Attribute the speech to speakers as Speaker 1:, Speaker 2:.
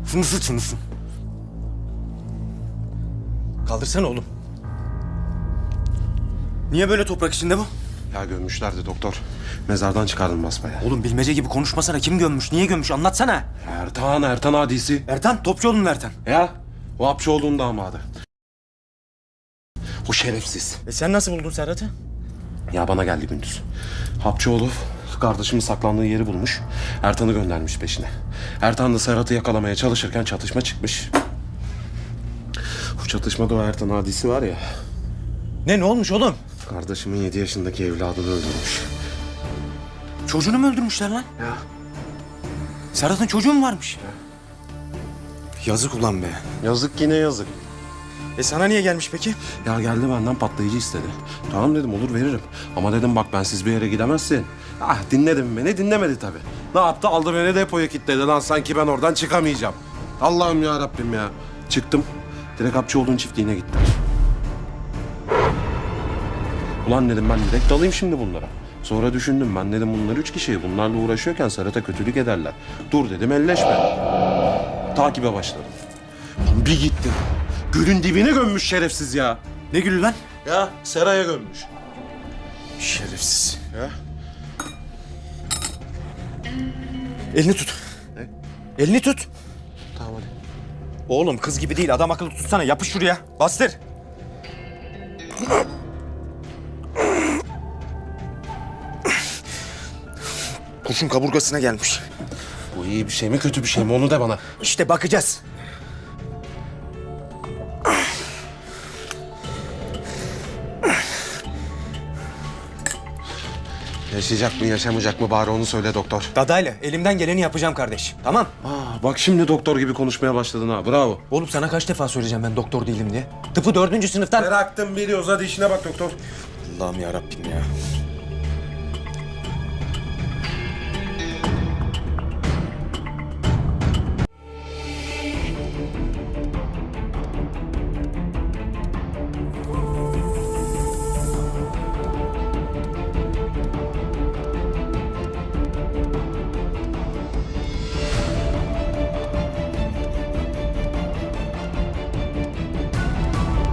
Speaker 1: Şunu sık şunu. Kaldırsana oğlum. Niye böyle toprak içinde bu?
Speaker 2: Ya gömmüşlerdi doktor. Mezardan çıkardım basbaya.
Speaker 1: Oğlum bilmece gibi konuşmasana. Kim gömmüş? Niye gömmüş? Anlatsana.
Speaker 2: Ertan hadisi.
Speaker 1: Ertan, Topçuoğlu'nun Ertan.
Speaker 2: Ya o Hapçıoğlu'nun damadı. O şerefsiz.
Speaker 1: Sen nasıl buldun Serhat'ı?
Speaker 2: Ya bana geldi gündüz. Hapçıoğlu kardeşimin saklandığı yeri bulmuş. Ertan'ı göndermiş peşine. Ertan da Serhat'ı yakalamaya çalışırken çatışma çıkmış. Bu çatışmada o Ertan hadisi var ya.
Speaker 1: Ne olmuş oğlum?
Speaker 2: Kardeşimin 7 yaşındaki evladını öldürmüş.
Speaker 1: Çocuğunu mu öldürmüşler lan?
Speaker 2: Ya.
Speaker 1: Serhat'ın çocuğu mu varmış? Yazık ulan be.
Speaker 2: Yazık yine yazık.
Speaker 1: Sana niye gelmiş peki?
Speaker 2: Ya geldi benden patlayıcı istedi. Tamam dedim olur veririm. Ama dedim bak bensiz bir yere gidemezsin. Ah dinledim beni dinlemedi tabii. Ne yaptı aldı beni depoya kilitledi lan sanki ben oradan çıkamayacağım. Allah'ım ya Rabbim ya. Çıktım. Direkt Hapçıoğlu'nun çiftliğine gittim. Ulan dedim ben direkt dalayım şimdi bunlara. Sonra düşündüm ben dedim bunlar 3 kişi. Bunlarla uğraşıyorken Serhat'a kötülük ederler. Dur dedim elleşme. Takibe başladım. Bir gittim. Gölün dibine gömmüş şerefsiz ya.
Speaker 1: Ne gülü lan?
Speaker 2: Ya seraya gömmüş.
Speaker 1: Şerefsiz.
Speaker 2: Ya.
Speaker 1: Elini tut.
Speaker 2: Ne?
Speaker 1: Elini tut.
Speaker 2: Tamam hadi.
Speaker 1: Oğlum kız gibi değil. Adam akıllı tutsana. Yapış şuraya. Bastır. Kurşun kaburgasına gelmiş.
Speaker 2: Bu iyi bir şey mi kötü bir şey mi onu de bana.
Speaker 1: İşte bakacağız.
Speaker 2: Yaşayacak mı yaşamayacak mı bari onu söyle doktor.
Speaker 1: Dadayla elimden geleni yapacağım kardeş. Tamam.
Speaker 2: Bak şimdi doktor gibi konuşmaya başladın ha bravo.
Speaker 1: Oğlum sana kaç defa söyleyeceğim ben doktor değilim diye. Tıpı 4. sınıftan...
Speaker 2: Bıraktım biliyoruz hadi işine bak doktor.
Speaker 1: Allah'ım yarabbim ya.